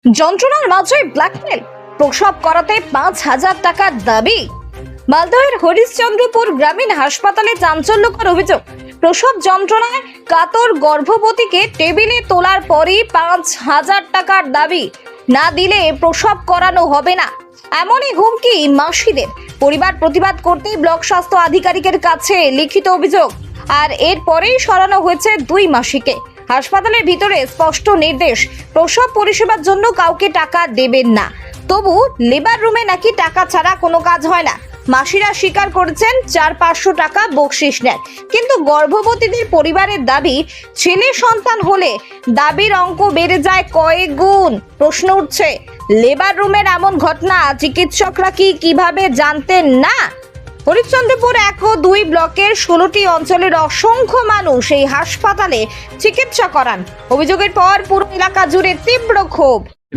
যন্ত্রণার মাঝে ব্ল্যাকমেল, প্রসব করাতে 5,000 টাকার দাবি। মালদহের হরিশ্চন্দ্রপুর গ্রামীণ হাসপাতালে চাঞ্চল্যকর অভিযোগ। প্রসব যন্ত্রণায় কাতর গর্ভবতীকে টেবিলে তোলার পরই 5,000 টাকার দাবি। না দিলে প্রসব করানো হবে না, এমনই হুমকি মাসিদের। পরিবার প্রতিবাদ করতেই ব্লক স্বাস্থ্য আধিকারিকের কাছে লিখিত অভিযোগ, আর এরপরেই সরানো হয়েছে 2 মাসিকে। হাসপাতালের ভিতরে স্পষ্ট নির্দেশ, প্রসব পরিষেবার জন্য কাউকে টাকা দেবেন না। তবু লেবার রুমে নাকি টাকা ছাড়া কোনো কাজ হয় না। মাসিরা স্বীকার করেছেন 400-500 টাকা বকশিশ নেন, কিন্তু গর্ভবতীদের পরিবারের দাবি, ছেলে সন্তান হলে দাবির অঙ্ক বেড়ে যায় কয়েক গুণ। প্রশ্ন উঠছে, লেবার রুমের এমন ঘটনা চিকিৎসকরা কিভাবে জানতেন না? হরিশ্চন্দ্রপুর 1 ও 2 ব্লকের 16টি অঞ্চলের অসংখ্য মানুষ এই হাসপাতালে চিকিৎসা করান। অভিযোগের পর পুরো এলাকা জুড়ে তীব্র ক্ষোভ।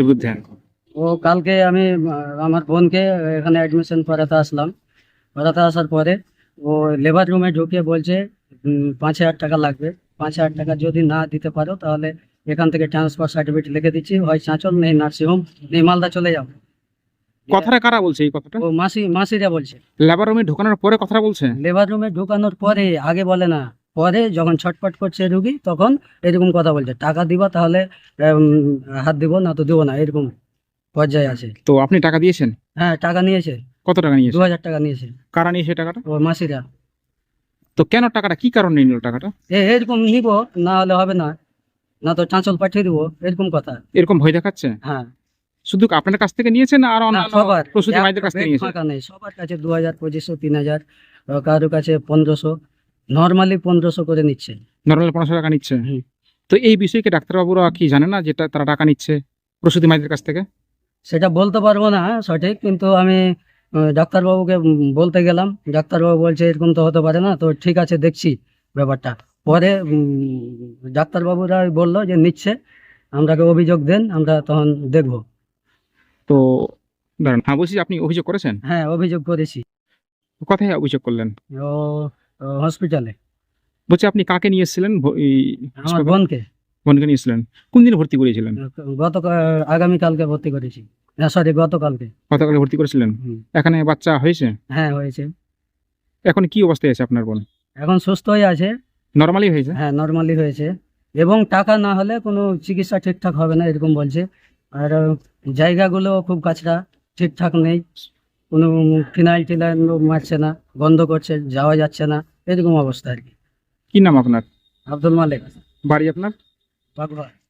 ও কালকে আমি আমার বোনকে এখানে অ্যাডমিশন করাতে আসলাম। করাতে আসার পরে ও লেবার রুমে ঢুকে বলছে 5,000 টাকা লাগবে। 5,000 টাকা যদি না দিতে পারো তাহলে এখান থেকে ট্রান্সফার সার্টিফিকেট লিখে দিচ্ছি, হয় চাঁচল নেই নার্সিংহোম নেই মালদা চলে যাও। কথাটা কারা বলছে এই কথাটা? ও মাসিরা বলছে। লেবার রুমে ঢোকানোর পরে কথাটা বলছে? লেবার রুমে ঢোকানোর পরে, আগে বলে না, পরে যখন ছটপট করছে রুগী তখন এরকম কথা বলছে, টাকা দিবা তাহলে হাত দিব, না তো দিব না, এরকম পর্যায়ে আছে। তো আপনি টাকা দিয়েছেন? হ্যাঁ, টাকা নিয়েছে। কত টাকা নিয়েছে? 2,000 টাকা নিয়েছে। কারা নিয়েছে টাকাটা? ও মাসিরা। তো কেন টাকাটা, কি কারণে নিল টাকাটা? এরকম নিব, না হলে হবে না, না তো চাঁচল পাঠিয়ে দিব, এরকম কথা। এরকম ভয় দেখাচ্ছে? হ্যাঁ। শুধু আপনার কাছ থেকে নিয়েছেন না আর না, অন্যান্য সবার প্রসূতি মায়েদের কাছ থেকে নিয়েছেন? ফাঁকা নেই, সবার কাছে 2,000, 2,500, 3,000, কারোর কাছে 1,500, নর্মালি 1,500 করে নিচ্ছে। নর্মাল 500 টাকা নিচ্ছে। হুম। তো এই বিষয়কে ডাক্তারবাবুরা কি জানে না যেটা তারা টাকা নিচ্ছে প্রসূতি মায়েদের কাছ থেকে? সেটা বলতে পারবো না সঠিক, কিন্তু আমি ডাক্তারবাবুকে বলতে গেলাম, ডাক্তারবাবু বলছে এরকম তো হতে পারে না, তো ঠিক আছে দেখছি ব্যাপারটা। পরে ডাক্তারবাবুরা বললো যে নিচ্ছে, আমরাকে অভিযোগ দেন, আমরা তখন দেখবো। তো দাঁড়ান, হ্যাঁ বলছি, আপনি অভিযোগ করেছেন? হ্যাঁ, অভিযোগ করেছি। কোথায় অভিযোগ করলেন? ও হসপিটালে। বলছি আপনি কাকে নিয়ে এসেছিলেন? আমার বোনকে বোনকে নিয়ে এসেছিলেন? কোন দিন ভর্তি করিয়েছিলেন? আগামীকালকে ভর্তি করেছি, না সরি গতকালকে। গতকালে ভর্তি করেছিলেন? হুম। এখানে বাচ্চা হয়েছে? হ্যাঁ, হয়েছে। এখন কি অবস্থায় আছে আপনার বোন? এখন সুস্থ হয়ে আছে। নর্মালি হয়েছে? হ্যাঁ, নর্মালি হয়েছে, এবং টাকা না হলে কোনো চিকিৎসা ঠিকঠাক হবে না এরকম বলছে। আর জায়গাগুলো খুব কাছরা, ঠিকঠাক নেই, কোনো ফিনাইল টিনাইল মারছে না, বন্ধ করছে, যাওয়া যাচ্ছে না, এরকম অবস্থা আর কি। কি নাম আপনার? আব্দুল মালিক। বাড়ি আপনার? বাগবা।